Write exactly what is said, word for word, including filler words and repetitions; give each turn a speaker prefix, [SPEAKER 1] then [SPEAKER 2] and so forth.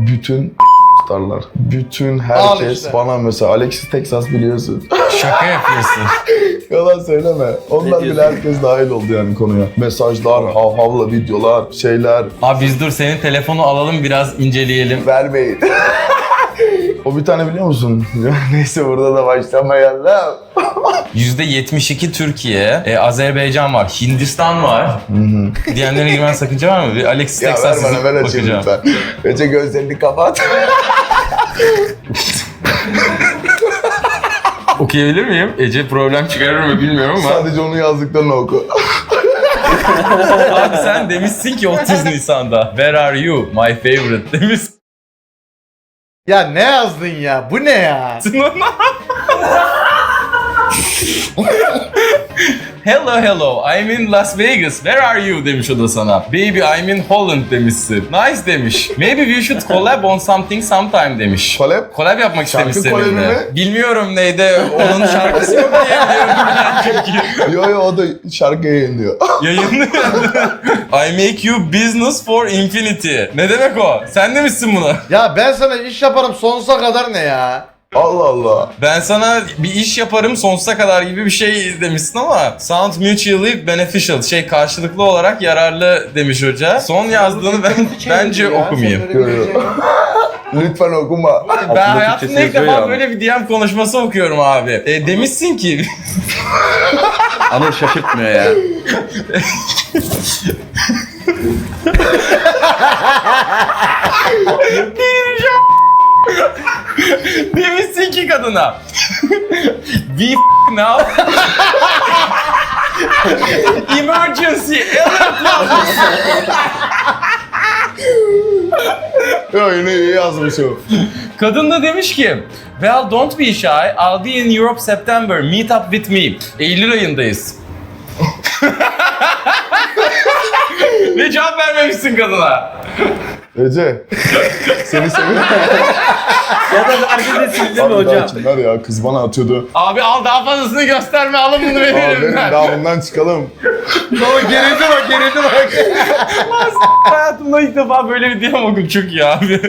[SPEAKER 1] bütün tutarlar. Bütün
[SPEAKER 2] Al
[SPEAKER 1] herkes
[SPEAKER 2] işte.
[SPEAKER 1] bana mesela Alexis Texas biliyorsun.
[SPEAKER 3] Şaka yapıyorsun.
[SPEAKER 1] Yalan söyleme. Onlar bile herkes dahil oldu yani konuya. Mesajlar, hav havla videolar, şeyler.
[SPEAKER 3] Abi biz dur senin telefonu alalım biraz inceleyelim.
[SPEAKER 1] Vermeyin. O bir tane biliyor musun? Neyse burada da başlamayalım.
[SPEAKER 3] yüzde yetmiş iki Türkiye, e, Azerbaycan var, Hindistan var. Diyenlere girmen sakınca var mı? Bir Alexis
[SPEAKER 1] Ya ver
[SPEAKER 3] Texas
[SPEAKER 1] bana,
[SPEAKER 3] yazıp
[SPEAKER 1] ver açayım
[SPEAKER 3] bakacağım.
[SPEAKER 1] lütfen. Ece gözlerini kapat.
[SPEAKER 3] Okuyabilir miyim? Ece problem çıkarır mı bilmiyorum ama.
[SPEAKER 1] Sadece onu yazdıklarını oku.
[SPEAKER 3] Abi sen demişsin ki otuz Nisan'da. Where are you? My favorite demişsin.
[SPEAKER 2] Ya ne yazdın ya? Bu ne ya?
[SPEAKER 3] Hello hello, I'm in Las Vegas. Where are you demiş o da sana. Baby I'm in Holland demişsin. Nice demiş. Maybe we should collab on something sometime demiş.
[SPEAKER 1] Collab?
[SPEAKER 3] Collab yapmak
[SPEAKER 1] Şarkı
[SPEAKER 3] istemiş
[SPEAKER 1] collabi
[SPEAKER 3] seninle.
[SPEAKER 1] mi?
[SPEAKER 3] Bilmiyorum neydi. Onun şarkısı yok diye biliyorum ben çünkü.
[SPEAKER 1] Yo yo o da şarkı yayınlıyor.
[SPEAKER 3] Yayınlıyor. I make you business for infinity. Ne demek o? Sen demişsin bunu.
[SPEAKER 2] Ya ben sana iş yaparım sonsuza kadar ne ya?
[SPEAKER 1] Allah Allah.
[SPEAKER 3] Ben sana bir iş yaparım sonsuza kadar gibi bir şey demişsin ama sound mutually beneficial, şey karşılıklı olarak yararlı demiş hoca. Son yazdığını ben bence okumayayım.
[SPEAKER 1] Yo yo. Lütfen okuma.
[SPEAKER 3] Ben hayatımda ilk defa böyle bir D M konuşması okuyorum abi. E, demişsin ki
[SPEAKER 4] Anıl şaşırtmıyor ya.
[SPEAKER 3] demişsin ki kadına we f*** now emergency alert.
[SPEAKER 1] Yo yine iyi yazmış o.
[SPEAKER 3] Kadın da demiş ki well don't be shy, I'll be in Europe September, meet up with me. Eylül ayındayız. Ve cevap vermemişsin kadına.
[SPEAKER 1] Ece. Seni seviyorum.
[SPEAKER 4] Ya da verdi de sildi mi
[SPEAKER 1] Abi daha
[SPEAKER 4] hocam?
[SPEAKER 1] kimler ya? Kız bana atıyordu.
[SPEAKER 3] Abi al daha fazlasını gösterme, alın bunu
[SPEAKER 1] Abi
[SPEAKER 3] veririm
[SPEAKER 1] benim
[SPEAKER 3] ben.
[SPEAKER 1] daha bundan çıkalım.
[SPEAKER 2] Baba gerildi bak gerildi bak.
[SPEAKER 3] Hayatımda ilk defa böyle bir D M okudum, çok iyi abi.